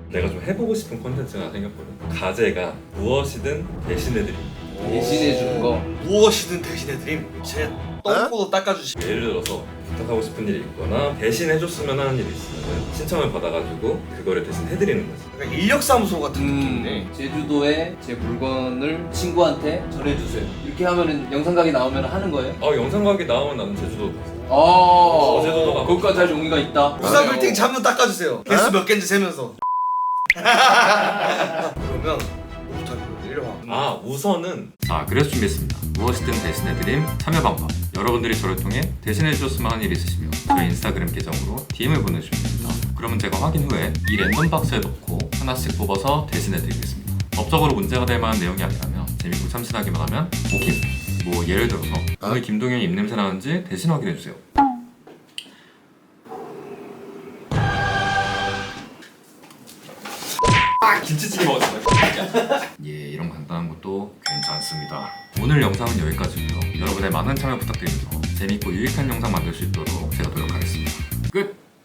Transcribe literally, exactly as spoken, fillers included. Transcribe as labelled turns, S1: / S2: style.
S1: 내가 좀 해보고 싶은 콘텐츠가 생겼거든. 과제가 무엇이든 대신해드림.
S2: 대신해 주는 거.
S3: 무엇이든 대신해드림. 제 똥꼬도 닦아주시.
S1: 예를 들어서 부탁하고 싶은 일이 있거나 대신 해줬으면 하는 일이 있으면 신청을 받아가지고 그거를 대신 해드리는 거지.
S3: 그러니까 인력사무소 같은 느낌이네.
S2: 음, 제주도에 제 물건을 친구한테 전해주세요. 이렇게 하면은 영상각이 나오면 하는 거예요?
S1: 아 영상각이 나오면 나는 제주도 갔어.
S2: 어,
S1: 어, 제주도 가고
S2: 거기까지 할 용기가 있다.
S3: 우사 빌딩 잠도 닦아주세요. 개수 몇 개인지 세면서. 그러면 뭐부터 할까요? 이리 와.
S1: 아 우선은 자 그래서 준비했습니다. 무엇이든 대신해드림 참여 방법. 여러분들이 저를 통해 대신해주셨으면 하는 일이 있으시면 저희 인스타그램 계정으로 디엠을 보내주시면 됩니다. 그러면 제가 확인 후에 이 랜덤 박스에 넣고 하나씩 뽑아서 대신해드리겠습니다. 법적으로 문제가 될 만한 내용이 아니라면 재밌고 참신하기만 하면 오케이. 뭐 예를 들어서 오늘 김동현이 입냄새 나는지 대신 확인해주세요. 김치찌개 먹었어요. 예, 이런 간단한 것도 괜찮습니다. 오늘 영상은 여기까지고요. 여러분의 많은 참여 부탁드리면서 재밌고 유익한 영상 만들 수 있도록 제가 노력하겠습니다. 끝!